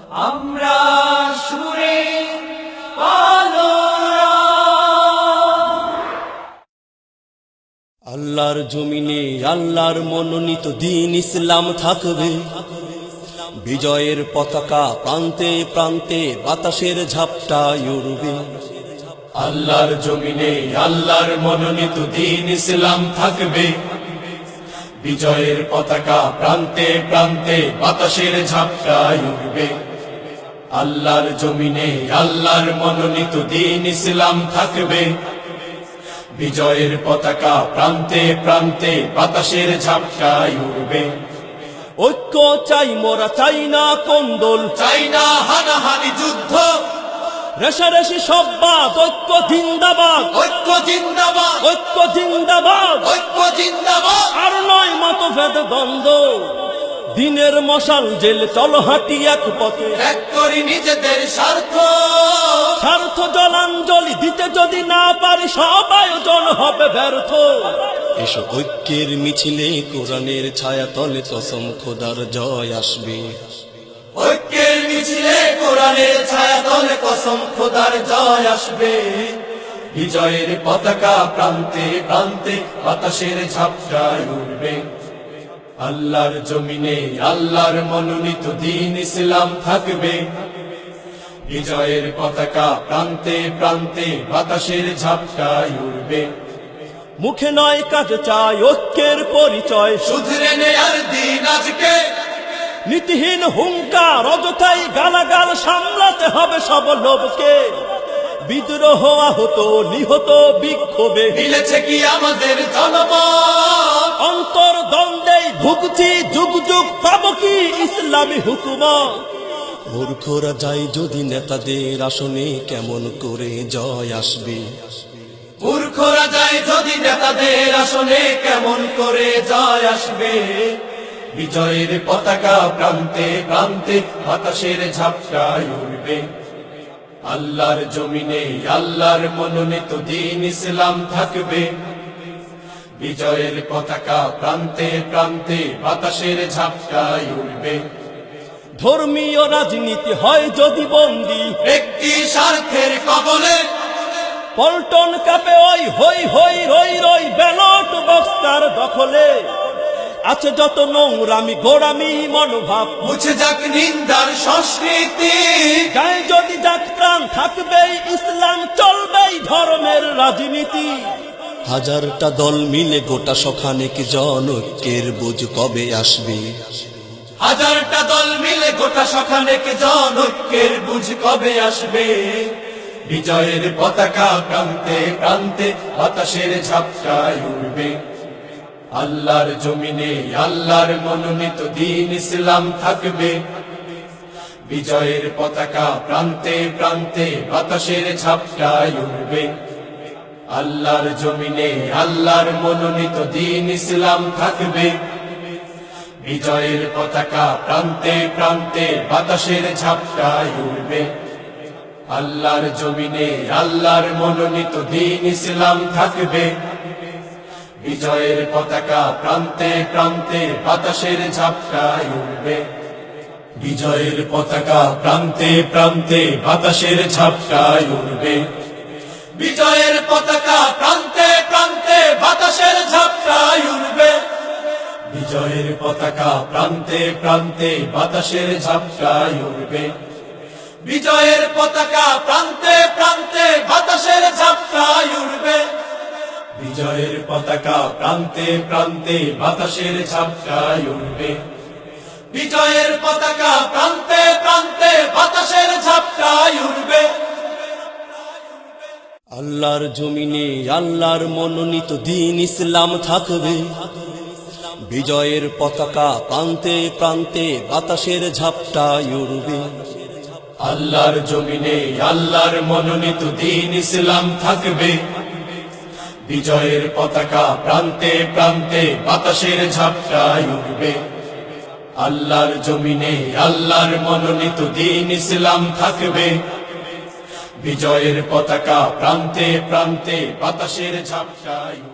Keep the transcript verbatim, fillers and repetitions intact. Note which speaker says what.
Speaker 1: আমরা সুরে পালোরা।
Speaker 2: আল্লাহর জমিনে আল্লাহর মনোনীত দ্বীন ইসলাম থাকবে, বিজয়ের পতাকা প্রান্তে প্রান্তে বাতাসের ঝাপটায় উড়বে।
Speaker 1: আল্লাহর জমিনে আল্লাহর মনোনীত দ্বীন ইসলাম থাকবে, বিজয়ের পতাকা প্রান্তে প্রান্তে বাতাসের ঝাপটায় উড়বে। আল্লাহর জমিনে আল্লাহর মনোনীত দ্বীন ইসলাম থাকবে, বিজয়ের পতাকা প্রান্তে প্রান্তে বাতাসের ঝাপটায় উড়বে।
Speaker 2: ঐক্য চাই মোরা, চাই না কোন্দল,
Speaker 1: চাই না হানাহানি যুদ্ধ,
Speaker 2: রেশারেশি সব বাদ, ঐক্য জিন্দাবাদ,
Speaker 1: ঐক্য জিন্দাবাদ,
Speaker 2: ঐক্য জিন্দাবাদ।
Speaker 1: ঐক্য জিন্দাবাদ।
Speaker 2: আর নয় মতভেদ দ্বন্দ্ব, দিনের মশাল জেল চলো হাঁটি এক পথে।
Speaker 1: এক করি নিজেদের স্বার্থ,
Speaker 2: স্বার্থ জলাঞ্জলি দিতে যদি না পারি সব আয়োজন হবে ব্যর্থ। এসো ঐক্যের মিছিলে কোরআনের ছায়া তলে কসম খোদার জয় আসবে।
Speaker 1: ঐক্যের মিছিলে কোরআনের ছায়া তলে কসম খোদার জয় আসবে। বিজয়ের পতাকা প্রান্তে প্রান্তে বাতাসের ঝাপটায় উড়বে। আল্লাহর জমিনে আল্লাহর মনোনীত দ্বীন ইসলাম থাকবে, বিজয়ের পতাকা প্রান্তে প্রান্তে বাতাসের ঝাপটায় উড়বে।
Speaker 2: মুখে নয় কাজ চাই ঐক্যের পরিচয়,
Speaker 1: শুধরে নেয়ার দিন আজকে,
Speaker 2: নীতিহীন হুঙ্কার অযথাই গালাগাল সামলাতে হবে সব লোককে। বিদ্রোহ আহত নিহত বিক্ষোভে
Speaker 1: মিলেছে কি আমাদের জনমত?
Speaker 2: অন্তর দ্বন্দ্বে ভুগছি যুগ যুগ, পাব কি ইসলামী হুকুমত? মূর্খরা যায় যদি নেতাদের আসনে, কেমন করে জয় আসবে?
Speaker 1: মূর্খরা যায় যদি নেতাদের আসনে, কেমন করে জয় আসবে? বিজয়ের পতাকা প্রান্তে প্রান্তে বাতাসের ঝাপটায় উড়বে। আল্লাহর জমিনে আল্লাহর মনোনীত দ্বীন ইসলাম থাকবে, বিজয়ের পতাকা প্রান্তে প্রান্তে বাতাসের ঝাপটায় উড়বে।
Speaker 2: ধর্মীয় রাজনীতি হয় যদি বন্দী,
Speaker 1: ব্যক্তি স্বার্থের কবলে
Speaker 2: পল্টন কাপে ওই হই হই রই রই, ব্যালট বক্সার দখলে আছে যত নোংরামি গোড়ামি মনোভাব।
Speaker 1: মুছে যাক নিন্দার সংস্কৃতি,
Speaker 2: গায়ে যদি যাক প্রাণ থাকবেই ইসলাম, চলবেই ধর্মের রাজনীতি। হাজারটা দল মিলে গোটা সখানেক জন, ঐক্যের বুঝ কবে আসবে?
Speaker 1: হাজারটা দল মিলে গোটা সখানেক জন, ঐক্যের বুঝ কবে আসবে? বিজয়ের পতাকা প্রান্তে প্রান্তে বাতাসের ঝাপটায় উড়বে। আল্লাহর জমিনে আল্লাহর মনোনীত দ্বীন ইসলাম থাকবে, বিজয়ের পতাকা প্রান্তে প্রান্তে বাতাসের ঝাপটায় উড়বে। আল্লাহর জমিনে আল্লাহর মনোনীত দ্বীন ইসলাম থাকবে, বিজয়ের পতাকা প্রান্তে প্রান্তে বাতাসের ঝাপটায় উড়বে। আল্লাহর জমিনে আল্লাহর মনোনীত দ্বীন ইসলাম থাকবে, বিজয়ের পতাকা প্রান্তে প্রান্তে বাতাসের ঝাপটায় উড়বে। বিজয়ের পতাকা প্রান্তে প্রান্তে বাতাসের ঝাপটায় উড়বে। বিজয়ের পতাকা প্রান্তে প্রান্তে বাতাসের ঝাপটায় উড়বে। বিজয়ের পতাকা প্রান্তে প্রান্তে বাতাসের ঝাপটায় উড়বে। বিজয়ের পতাকা প্রান্তে প্রান্তে বাতাসের ঝাপটায় উড়বে। বিজয়ের পতাকা প্রান্তে প্রান্তে বাতাসের ঝাপটায় উড়বে। বিজয়ের পতাকা প্রান্তে প্রান্তে বাতাসের ঝাপটায় উড়বে।
Speaker 2: আল্লাহর জমিনে আল্লাহর মনোনীত দ্বীন ইসলাম থাকবে, বিজয়ের পতাকা প্রান্তে প্রান্তে বাতাসের ঝাপটায় উড়বে।
Speaker 1: আল্লাহর জমিনে আল্লাহর মনোনীত দ্বীন ইসলাম থাকবে, বিজয়ের পতাকা প্রান্তে প্রান্তে বাতাসের ঝাপটায় উড়বে। আল্লাহর জমিনে আল্লাহর মনোনীত দ্বীন ইসলাম থাকবে, বিজয়ের পতাকা প্রান্তে প্রান্তে বাতাসের ঝাপটায়